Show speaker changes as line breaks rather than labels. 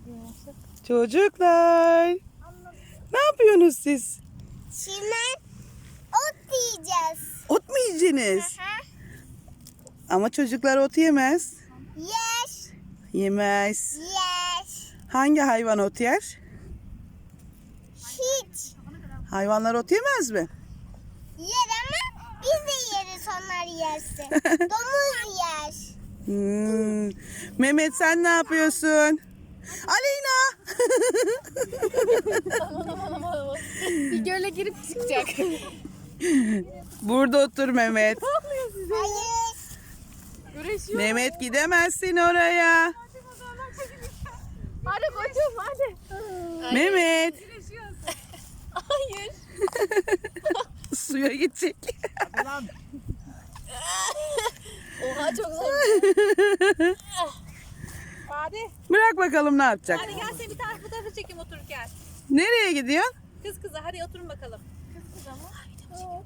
Çocuklar. Ne yapıyorsunuz siz?
Şimdi ot yiyeceğiz.
Ot mu yiyeceksiniz?
Aha.
Ama çocuklar ot yemez.
Yes.
Yemez.
Yes.
Hangi hayvan ot yer?
Hiç.
Hayvanlar ot yemez mi?
Yer ama biz de yeriz, onlar yersin. Domuz yer.
Mehmet sen ne yapıyorsun? Aleyna.
Bir göle girip çıkacak.
Burada otur Mehmet.
Hayır.
Güreşiyor.
Mehmet gidemezsin oraya.
Hadi koçum hadi.
Mehmet.
Hayır.
Suya gidecek.
Oha çok zor. Hadi.
Bırak bakalım ne yapacak.
Hadi gel seni bir tane fotoğrafı çekeyim otururken.
Nereye gidiyorsun?
Kız kıza hadi oturun bakalım. Kız kıza mı?